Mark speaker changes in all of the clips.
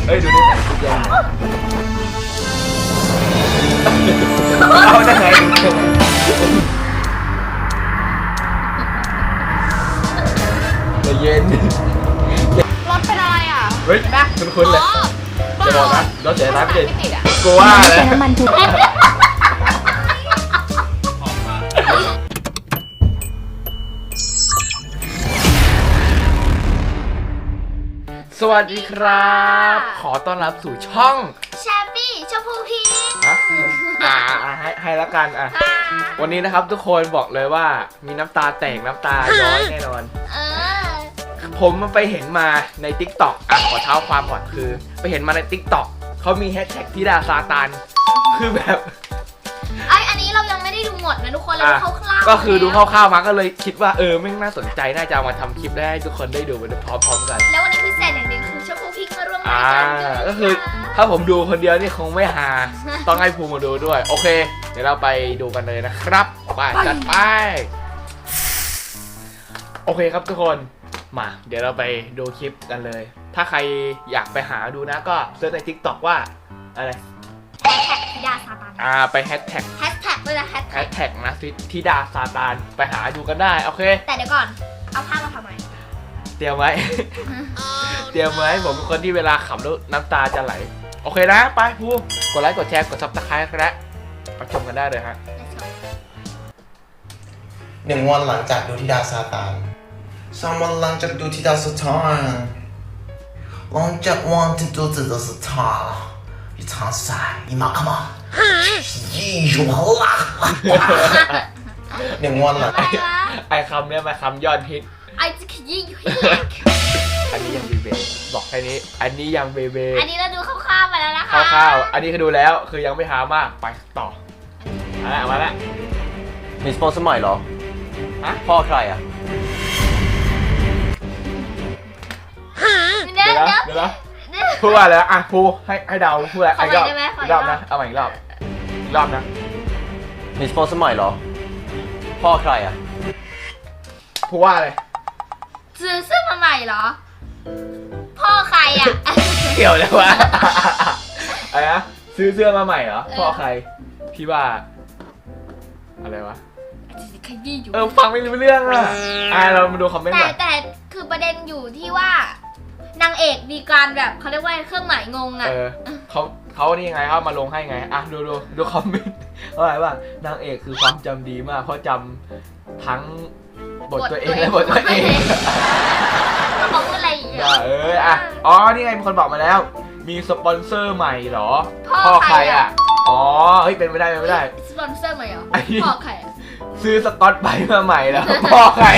Speaker 1: เฮ้ยดูนี่แต่งชุดยังไงเอาได้ไงเย็น
Speaker 2: รถเป็นอะไรอ่ะ
Speaker 1: เฮ้ยคุ้นๆเลยจะบอกนะรถเสียน้ำไม่ติดกลัวเลย
Speaker 3: น้ำมันถูก
Speaker 1: สวัสดีครับขอต้อนรับสู่ช่อง
Speaker 2: แชปปี้ชมพูพี
Speaker 1: ให้ละกันวันนี้นะครับทุกคนบอกเลยว่ามีน้ำตาแตกน้ำตาย้อยแน่นอนผมไปเห็นมาใน TikTok ขอเท้าความก่อนคือไปเห็นมาใน TikTok เขามีแฮชแท็กธิดาซาตานคือแบบ
Speaker 2: อันนี้เรายังไม่ได้ดูหมดนะทุกคนเราดูคร่าวๆ
Speaker 1: ก็คือดูคร่าวๆมาก็เลยคิดว่าไม่น่าสนใจน่าจะมาทำคลิปได้ให้ทุกคนได้ดูไปพร้อมๆกัน
Speaker 2: แล้ววันนี้พิเศษอย่างหนึ่งคือชมพูพีมาร่วมรายการ
Speaker 1: ก็คือถ้าผมดูคนเดียวนี่คงไม่ฮาต้องให้ภูมิมาดูด้วยโอเคเดี๋ยวเราไปดูกันเลยนะครับไปจัดไปโอเคครับทุกคนมาเดี๋ยวเราไปดูคลิปกันเลยถ้าใครอยากไปหาดูนะก็เซิร์ชใน TikTok ว่าอะไร
Speaker 2: แฮชแท็กธิดาซาตาน
Speaker 1: ไปแฮชแท็ก
Speaker 2: ด้วยนะแฮช
Speaker 1: แท็กนะธิดาซาตานไปหาดูกันได้โอเค
Speaker 2: แต่เดี๋ยวก่อนเอาภาพมาทำไม
Speaker 1: เตรียมไว้ เตรียมไว้ผมเป็นคนที่เวลาขำแล้วน้ำตาจะไหลโอเคนะไปพูกดไลค์กดแชร์กดซับสไครต์และไปชมกันได้เลยฮะ
Speaker 4: 1 วันหลังจากดูธิดาซาตาน3 วันหลังจากดูธิดาซาตานหลังจากวันที่ดูธิดาซาตาน一场赛一马克嘛1 วันหลัง
Speaker 1: ไอคำเนี้ยมาคำยอดฮิต
Speaker 2: ไอจะขยี้อยู่
Speaker 1: อันนี้ยังเบเบบอกแค่นี้อันนี้ยังเบเบ
Speaker 2: อันนี้เราดูคร่าวๆไปแล้วนะคะ
Speaker 1: คร่าวๆอันนี้คือดูแล้วคือยังไม่หามากไปต่อมาแล้ว
Speaker 5: มีสปอนเซอร์ใหม่เหรอ
Speaker 1: ฮะ
Speaker 5: พ่อใครอ่ะ
Speaker 1: เดี๋ยวพูดว่าอะไรพูดให้เดาพูดอะไรอีกรอบนะเอาใหม่อีกรอบนะ
Speaker 5: มีสปอนเซอร์ใหม่เหรอพ่อใครอ่ะ
Speaker 1: พูดว่าอะไร
Speaker 2: ซื้อเสื้อมาใหม่เหรอพ่อใครอ่ะ
Speaker 1: เกี่ยวเลยวะอะไรนะซื้อเสื้อมาใหม่เหรอพ่อใครพี่ว่าอะไรวะฟังไม่รู้เรื่องเรามาดูคอมเมนต์ก่อน
Speaker 2: แต่คือประเด็นอยู่ที่ว่านางเอกมีการแบบเขาเรียกว่าเครื่องหมายงง
Speaker 1: เขานี่ยังไงเขามาลงให้ไงดูคอมเมนต์อะไรว่านางเอกคือความจำดีมากเพราะจำทั้งบทตัวเองและบทตัวเอง
Speaker 2: เขาพูดอะไรอีก
Speaker 1: นี่ไงมีคนบอกมาแล้วมีสปอนเซอร์ใหม่เหรอพ่อใครเฮ้ยเป็นไม่ได้
Speaker 2: สปอนเซอร์ใหม่เหรอพ่อใคร
Speaker 1: ซื้อสก๊อตไบรท์มาใหม่แล้วพ่อใคร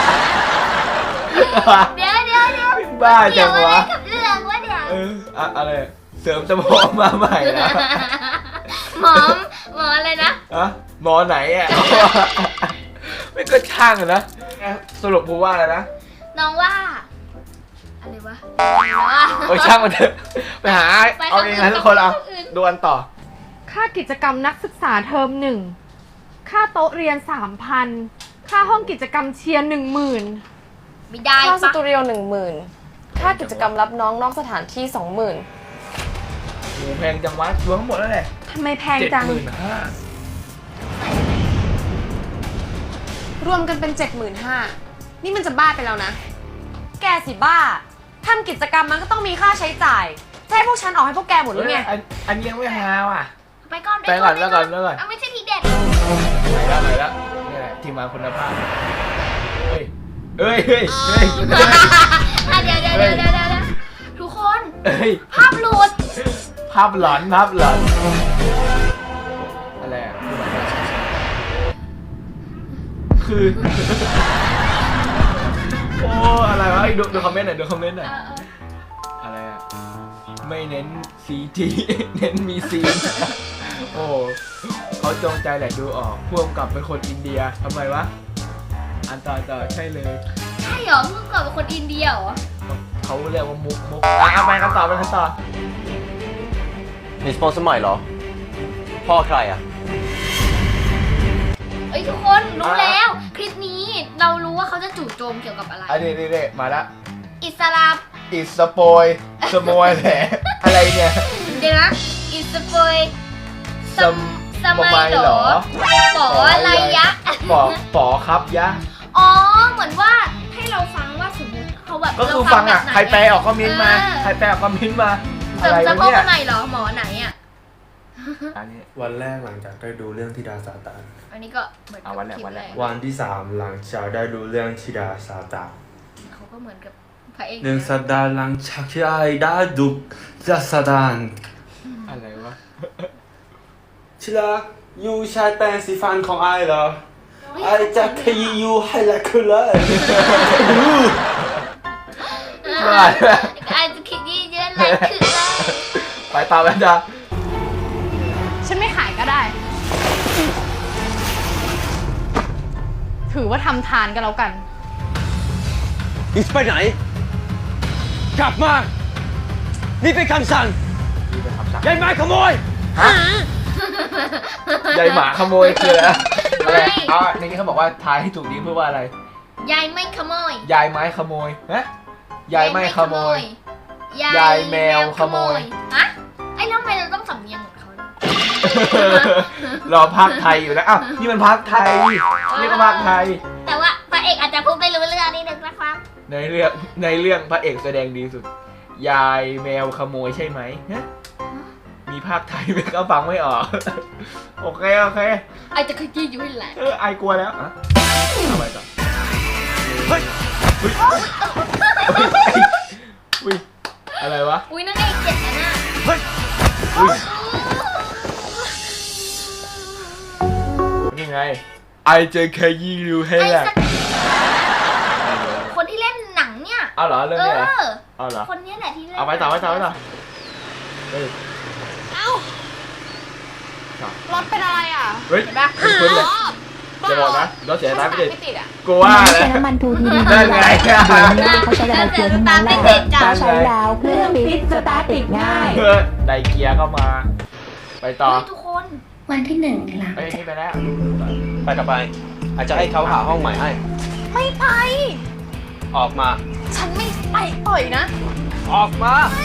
Speaker 2: เดี๋ยว
Speaker 1: บ้าจังวะ
Speaker 2: กับเรื่องวะเดี๋ยว
Speaker 1: อะไรเสริมสมองมาใหม่นะ
Speaker 2: หมออะไรนะ
Speaker 1: หมอไหนไม่ก็ช่างนะสรุปพูดว่าอะไรนะ
Speaker 2: น้องว่าอะไรวะ
Speaker 1: ช่างมันเถอะไปหาเอาเองนะทุกคนดูอันต่อ
Speaker 3: ค่ากิจกรรมนักศึกษาเทอม1ค่าโต๊ะเรียน 3,000 ค่าห้องกิจกรรมเชียร์ 10,000
Speaker 2: ไม่ได้
Speaker 6: ค่าสตูดิโอ 10,000 ค่ากิจกรรมรับน้องนอกสถานที่ 20,000
Speaker 1: โอ้แพงจังวะรวมทั้งหมดแล้วแหละ
Speaker 3: ทำไมแพงจัง
Speaker 6: รวมกันเป็น 75,000 นี่มันจะบ้าไปแล้วนะแกสิบ้าทำกิจกรรมมันก็ต้องมีค่าใช้จ่ายจะให้พวกฉันออกให้พวกแกหมดหรือไง
Speaker 1: อันยังไม่หาว่ะ
Speaker 2: ไปก่อนไม่ใช่ทีเด็ด
Speaker 1: ไปแล้วนี่แหละทีมงานคุณภาพเฮ้ย
Speaker 2: เดี๋ยวทุกคนภาพหลุด
Speaker 1: ภาพหลอนอะไรคือโอ้อะไรวะดูคอมเมนต์หน่อยอะไรไม่เน้น CG เน้นมีซีนโอ้เขาจงใจแหละดูออกพ่วงกับเป็นคนอินเดียทำไมวะอันต่อใช่เลย
Speaker 2: ใช่เหรอพ่วงกับเป็นคนอินเดียเหรอ
Speaker 1: เขาเรียกว่ามุกไปกันต่อ
Speaker 5: มีสปอนเซอร์ใหม่เหรอพ่อใครอ่ะ
Speaker 2: ทุกคนรู้แล้วคลิปนี้เรารู้ว่าเขาจะจู่โจมเกี่ยวกับอะไร
Speaker 1: นี่มาละ
Speaker 2: อิสลาม
Speaker 1: สโมยแหละอะไรเนี่ย
Speaker 2: เดี๋ยวนะอิสปอยสมัยเหรอปออะไรยะ
Speaker 1: ปอครับยะ
Speaker 2: อ๋อเหมือนว่าให้เราฟังว่าสมมติเขาแบบ
Speaker 1: ก็คือ
Speaker 2: เรา
Speaker 1: ฟังอ่ะ
Speaker 2: แบบไหน
Speaker 1: ใครแปลออกคอมเมนต์มาใครแปลออกคอมเมนต์มาอะไร
Speaker 2: สะ
Speaker 1: วะ
Speaker 2: โพก
Speaker 1: เนี่ย
Speaker 2: ไหนเหรอหมอไหนอ่ะ
Speaker 1: อันนี้
Speaker 7: วันแรกหลังจากได้ดูเรื่องธิดาซาตาน
Speaker 2: อันนี้ก็เหมือนกับ
Speaker 1: วันแรก
Speaker 2: คลิป
Speaker 1: วันแรก
Speaker 7: วันที่ 3 หลังจากได้ดูเรื่องธิดาซาตาน
Speaker 2: เขาก็เหมือนกับพระเอก
Speaker 7: หนึ่งสัปดาห์หลังจากที่ไอ้ได้ดูธิดาซาตาน
Speaker 1: อะไรวะ
Speaker 7: ที่รักยูใช้แปรงสีฟันของไอ้เหรอไอ้จะขยี้ยูให้ละคือเลย
Speaker 2: อาจจะคิดยี่เยอะเลยคือเลย
Speaker 1: ไปต่อไปจ้ะ
Speaker 3: ฉันไม่ขายก็ได้ ถือว่าทำทานกันแล้วกัน
Speaker 5: อีกไปไหน กลับมา นี่เป็นคำสั่ง
Speaker 1: นี่เป็นคำสั่ง
Speaker 5: ยายไม้ขโมย
Speaker 1: ฮะยายหมาขโมยคืออะไรอ๋อในนี้เขาบอกว่าทายให้ถูกดีเพื่อว่าอะไร
Speaker 2: ยายไม่ขโมย
Speaker 1: ยายไม้ขโมยฮะยายไม่ขโมย ยายแมวขโมย
Speaker 2: ฮะไอ้แล้วทำไมเราต้องสำเนียงเหมือนเขาด้วย
Speaker 1: รอภาคไทยอยู่นะอ้าวนี่มันภาคไทยนี่ก็ภาคไทย
Speaker 2: แต่ว่าพระเอกอาจจะพูดไม่รู้เรื่องนิดนึงนะครับ
Speaker 1: ในเรื่องพระเอกแสดงดีสุด ยายแมวขโมยใช่ไหมฮะมีภาคไทยไหมก็ฟังไม่ออก โอเค
Speaker 2: ไอจะขยี้อยู่ให้แหละ
Speaker 1: ไอกลัวแล้วอะเอาไปต่อเฮ้ยอุ้ยอะไรวะ
Speaker 2: อุ้ยนั่นไอ้เจ็ดนะน่ะ
Speaker 1: เฮ้ยอุ้ยนี่ไงไอจะขยี้อยู่ให้
Speaker 2: ไอ้
Speaker 1: แหละ
Speaker 2: สักคนที่เล่นหนังเนี่ย
Speaker 1: เอาเหรอเรื่องนี้เหรอเอาเหรอ
Speaker 2: คนนี้แหละที่เล่น
Speaker 1: เอาไปต่อเฮ้ย
Speaker 3: รถเป็นอะไรอ่ะ
Speaker 1: เฮ้ยคุ้นเลยจะบอกนะรถเสียน้ำไม่ติด
Speaker 3: ไม่ติดอ่ะ
Speaker 1: กูว่า
Speaker 8: ไม่
Speaker 1: เลย
Speaker 8: ใช้น้ำมันทูทีดี
Speaker 1: นั่นไง
Speaker 8: เขาใช้แต่ละเกียร์ทั้งนั้นแหละเขาใช้แล้วเครื่องฟิตสตาร์ทติดง่าย
Speaker 1: เพื่อไดเกียร์เข้ามา ไปต่อ
Speaker 2: เฮ้ยทุกคน
Speaker 8: วันที่ 1 หลัง
Speaker 1: เอ้ยนี่ไปแล้ว
Speaker 5: ไปกลับไป อาจจะให้เขาหาห้องใหม่ให้
Speaker 3: ไม่ไป
Speaker 5: ออกมา
Speaker 3: ฉันไม่ไปปล่อยนะ
Speaker 5: ออกมา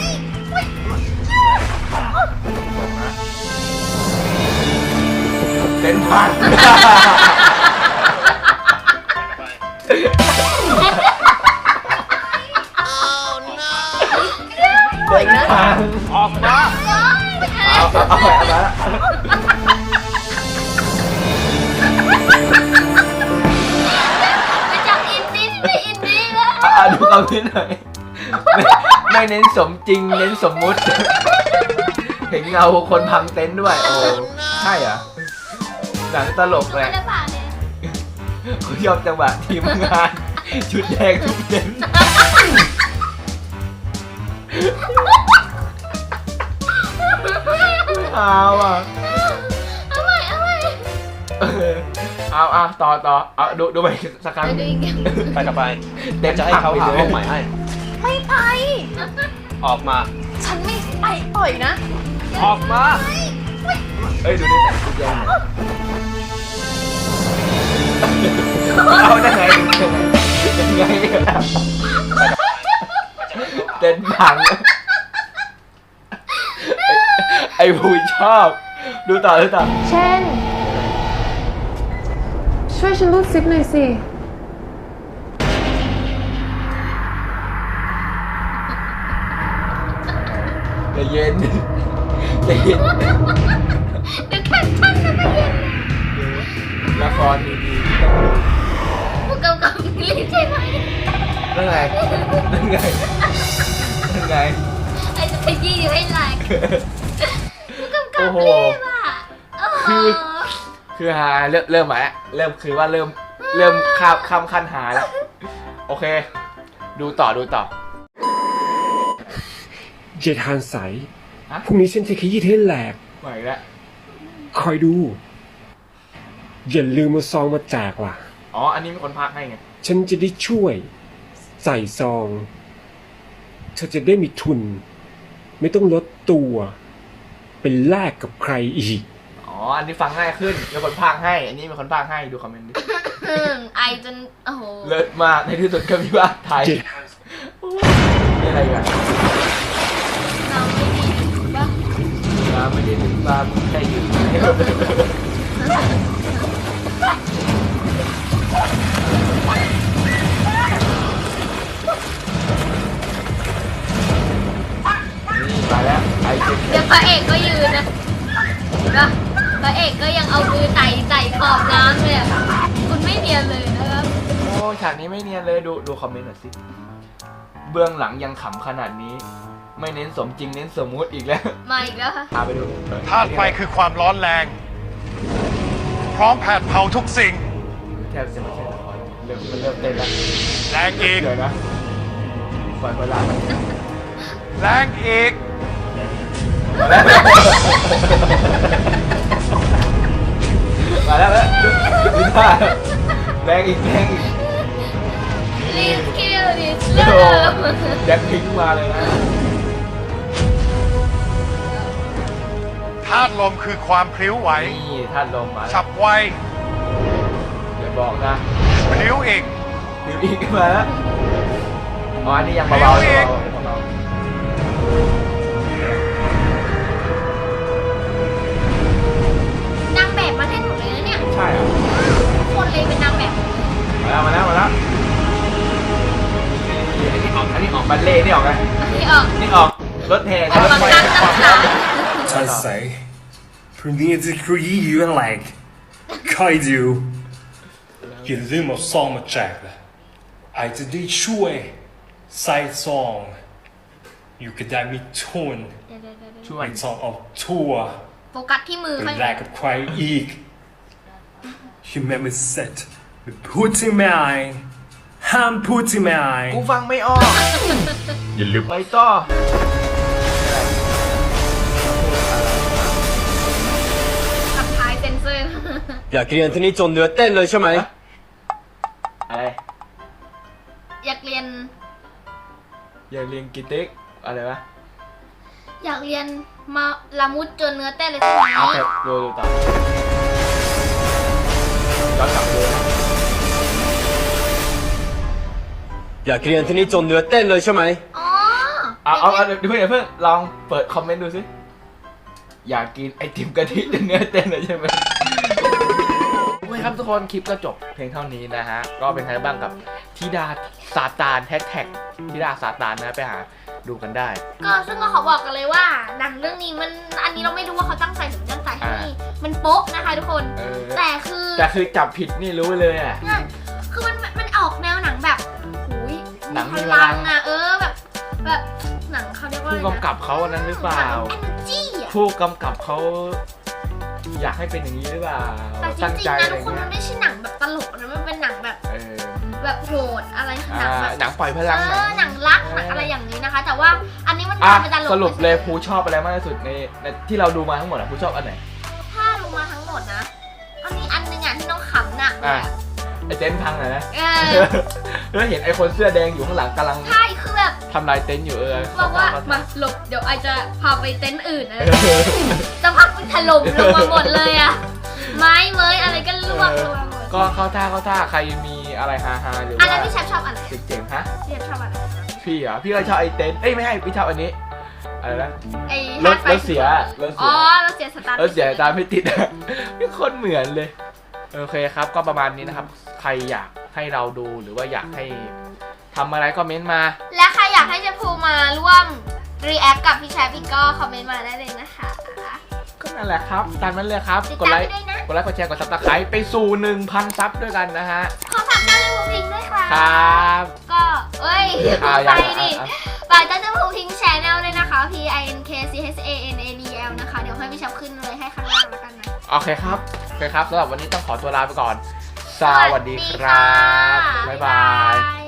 Speaker 1: เต้นพันเต้นพัน
Speaker 5: ออกมา
Speaker 1: เอาไปแล้ว
Speaker 2: ไปจากอินดี้ไปอินดี้แล้ว
Speaker 1: ดูคอมเมนต์หน่อยไม่เน้นสมจริงเน้นสมมุติ เห็นเงาคนพังเต็นท์ด้วย โอ้ใช่เหรอหนังตลกแห
Speaker 2: ไม่
Speaker 1: ละ
Speaker 2: ได้ป่าเนี่ย
Speaker 1: เขาชอบจังหวะทีมงาน ชุดแดงทุกเต็นท์เอาอ่ะ
Speaker 2: เอาใหม่
Speaker 1: เอาต่อเอาดูไปสักครั้ง
Speaker 2: ไปดูอีก
Speaker 5: ไปกลับไปเดี๋ยวจะให้เขาหาห้องใหม่ให้
Speaker 3: ไม่ไป
Speaker 5: ออกมา
Speaker 3: ฉันไม่ไปปล่อยนะ
Speaker 5: ออกมา
Speaker 1: เอ้ยดูนี่แต่ชุดแดงเอาได้ไงเต้นพังไอ้ผู้ชอบดูต่อ
Speaker 3: เช่น ช่วยฉันรูดซิปหน่อยสิ
Speaker 1: ใจเย็นใจเย็น
Speaker 2: เดี๋ยวแข่งขันกันไปเย็น
Speaker 1: ละครดีๆ
Speaker 2: ผู้กำกับรีบใช่ไหม
Speaker 1: นั่นไง
Speaker 2: ไอ้จะขยี้อยู่ให้แหลกผู้กำกับ
Speaker 1: โอ้โห
Speaker 2: รีบอ่ะโอ้โห
Speaker 1: คือหาเริ่มใหม่ละเริ่มคือว่าเริ่มข้ามขั้นหาแล้ว โอเค ดูต่อ
Speaker 9: เจทานใส
Speaker 1: ฮะ
Speaker 9: พรุ่งนี้ฉันจะขยี้เธอให้แหลก
Speaker 1: ใหม่แล้ว
Speaker 9: คอยดู อย่าลืมมาซองมาแจกล่ะ
Speaker 1: อ๋อ อันนี้มีคนพากให้ไง
Speaker 9: ฉันจะได้ช่วยใส่ซอง เธอจะได้มีทุน ไม่ต้องลดตัวเป็นแลกกับใครอีก
Speaker 1: อ๋อ อันนี้ฟังง่ายขึ้นมีคนพากให้ อันนี้มีคนพากให้ดูคอมเมนต์ดิ
Speaker 2: ไอจนโอ้โห
Speaker 1: เลิศมากในที่สุดก็มีว่าไทย
Speaker 9: เจ
Speaker 1: นี่อะไรกัน
Speaker 2: เราไม่ดี
Speaker 1: มามึงแค่ยืนมาแล้วไอ้เจ็บ
Speaker 2: เดี๋ยวพระเอกก็ยืนนะนะพระเอกก็ยังเอามือไต่ขอบน้ำเลยอะคุณไม่เนียนเลยนะครับ
Speaker 1: โอ้ฉากนี้ไม่เนียนเลยดูคอมเมนต์หน่อยสิเบื้องหลังยังขำขนาดนี้ ไม่เน้นสมจริงเน้นสมมุติอีกแล้ว
Speaker 2: มาอีกแล้วค่ะ
Speaker 1: พาไปดู
Speaker 10: ธาตุไฟคือความร้อนแรง พร้อมแผดเผาทุกสิ่ง
Speaker 1: แทบจะไม่ใช่ละครมันเริ่มเต้นแล้ว
Speaker 10: แรงอีก
Speaker 1: เดี๋ยวนะปล่อยเวลามัน
Speaker 10: แรงอีก
Speaker 1: มาแล้วดูท่าแรงอีก
Speaker 2: ลีสคิลดิส
Speaker 1: โอ้
Speaker 2: เลิ
Speaker 1: โห
Speaker 2: ฟ
Speaker 1: แจ็คพิงค์มาเลยนะ
Speaker 10: ธาตุลมคือความพลิ้วไหว
Speaker 1: นี่ท่านลมมา
Speaker 10: ฉับไว
Speaker 1: อย่าบอกนะ
Speaker 10: พลิ้วอีก
Speaker 1: เดี๋ยวอีกมาแล้วอ๋ออันนี้ยังเบาๆอยู่เบา
Speaker 2: นางแบบมาแทนหมดเลยนะเนี่ย
Speaker 1: ๆใช่เหรอ
Speaker 2: ทุกคนเลยเป็นนางแบบ
Speaker 1: มาแล้วอันนี้ออกบัลเล่นี่ออกไง
Speaker 2: ที่ออก
Speaker 1: นี่ออกรถแห่
Speaker 2: ออกมาตั้งน้ำตา
Speaker 9: I say, Premier Degree you like Kaidu
Speaker 11: อย่าลืมเอาซองมาแจกนะไอจะได้ช่วยใส่ซองอยู่ก็ได้มีทุน
Speaker 1: ช่ว
Speaker 11: ไม่
Speaker 1: ย
Speaker 11: ต้องเอาทั่ว
Speaker 2: โฟกัสที่มือ
Speaker 11: ไป
Speaker 2: ข้าง
Speaker 11: แลกกับใครอีก
Speaker 9: You made me set with putting my eye ห้ามพูดที่ไม่อาย
Speaker 1: กูฟังไม่ออก
Speaker 11: อย่าลืม
Speaker 1: ไปต่อ
Speaker 2: ขับท้ายเซนเซอร์
Speaker 5: อยากเรียนที่นี่จนเนื้อเต้นเลยใช่ไหม
Speaker 1: อะไร
Speaker 2: อยากเรียน
Speaker 1: อย่าเรียนกิติกอะไรวะ
Speaker 2: อยากเรียนมาละมุดจนเนื้อเต้นเลยใช่ไหม
Speaker 1: เอาแค่ดูต่อย้อนกลับดูนะ
Speaker 5: อยากเรียนที่นี่จนเนื้อเต้นเลยใช่ไหม
Speaker 2: อ๋อ
Speaker 1: เอาเดี๋ยวเพิ่งลองเปิดคอมเมนต์ดูสิอยากกินไอติมกะทิจนเนื้อเต้นเลยใช่ไหมโอเคครับทุกคนคลิปก็จบเพียงเท่านี้นะฮะก็เป็นไงบ้างกับธิดาซาตานแฮชแท็กธิดาซาตานนะไปหาดูกันได้
Speaker 2: ก็ซึ่งก็ขอบอกกันเลยว่าหนังเรื่องนี้มันอันนี้เราไม่รู้ว่าเขาตั้งใจหรือไม่ตั้งใจให้มันโป๊ะนะคะทุกคน แต่คือ
Speaker 1: จับผิดนี่รู้เลยอ่ะ
Speaker 2: คือมันออกแนวหนังแบบหูย
Speaker 1: หนังมี
Speaker 2: พ
Speaker 1: พลั
Speaker 2: ลั
Speaker 1: ง
Speaker 2: งอะแบบหนังเขาเรียกว่า
Speaker 1: ผู้
Speaker 2: อะไรนะ
Speaker 1: กำกับเขาอันนั้นหรือเปล่า
Speaker 2: เอเนจีอะ
Speaker 1: ผู้กำกับเขาอยากให้เป็นอย่างนี้หรือเปล่า
Speaker 2: แต่จ
Speaker 1: ตั้ง
Speaker 2: ริง
Speaker 1: ใจ
Speaker 2: ๆนะ
Speaker 1: อะไร
Speaker 2: ทุกคน
Speaker 1: เงี้
Speaker 2: มั
Speaker 1: ย
Speaker 2: นไม่ใช่หนังแบบตลกนะมันเป็นหนังแบบ แบบโหดอะไรหนังแบบ
Speaker 1: หนังปล่อยพลัง
Speaker 2: หนังรักหนังอะไรอย่างนี้นะคะ แต่ว่าอันนี้มัน
Speaker 1: อ่ะ
Speaker 2: เป็นตลก
Speaker 1: สรุปเลยภูชอบอะไรมากที่สุดในที่เราดูมาทั้งหมดอ่ะภูชอบอันไหน
Speaker 2: ถ้าดูมาทั้งหมดนะอันนี้อันหนึงอ่ะที่น้องขำหนัก
Speaker 1: อ่ะไอเต็นท์พังหน่อยนะ
Speaker 2: เออ
Speaker 1: แล้วเห็นไอคนเสื้อแดงอยู่ข้างหลังกำลัง
Speaker 2: ใช่คือแบบ
Speaker 1: ทำลายเต็นท์อยู่
Speaker 2: บอกว่ามาหลบเดี๋ยวไอจะพาไปเต็นท์อื่นนะสักพักมันถล่มลงมาหมดเลยอะไม้เมยอะไรก็ล่วงลงมาหมด
Speaker 1: ก็เข้าท่าใครมีอะไรฮาๆหรือ
Speaker 2: อัน
Speaker 1: ว่า
Speaker 2: นั้นพี่แชมป์ชอบอันไหน
Speaker 1: เจ๋งๆฮะ
Speaker 2: พี่แชมป์ชอบอันไหน
Speaker 1: พี่เหรอพี่ก็ชอบไอเต็นท์เอ้ยไม่ให้พี่ชอบอันนี้อะไรนะ
Speaker 2: ไอ้
Speaker 1: รถ
Speaker 2: ฮาร์ดไฟ
Speaker 1: เสีย
Speaker 2: อ๋อรถเสียสตาร์ท
Speaker 1: รถเสียตามไม่ติดอะพี่โคนเหมือนเลยโอเคครับก็ประมาณนี้นะครับใครอยากให้เราดูหรือว่าอยากให้ทำอะไรก็เม้นต์มา
Speaker 2: และใครอยากให้เจภูมาร่วมรีแอคกับพี่แชมป์พี่ก็คอมเมนต์มาได้เลยนะคะ
Speaker 1: ก็นั่นแหละครับตามนั้นเลยครับ
Speaker 2: ติด
Speaker 1: กด
Speaker 2: ตาม
Speaker 1: ไลค์
Speaker 2: ด้วยนะ
Speaker 1: กดแชร์กดซับสไครป์ไปสู่ 1,000 ซับด้วยกันนะฮะ
Speaker 2: ขอฝากเจ้าเจ้าภูพิงด้วยค่ะ
Speaker 1: ครับ
Speaker 2: ก็เอ้ย
Speaker 1: อ่ะ
Speaker 2: ไป
Speaker 1: ยัง
Speaker 2: ดิ
Speaker 1: อ่ะ
Speaker 2: ฝากเจ้าเจ้าภูพิงแชนแนลด้วยนะคะ PINKCHANADL นะคะเดี๋ยวให้พี่แชมป์ขึ้นเลยให้ข้างล่างแล้วกันนะ
Speaker 1: โอเคครับสำหรับวันนี้ต้องขอตัวลาไปก่อน สวัสดีครับ บ๊ายบาย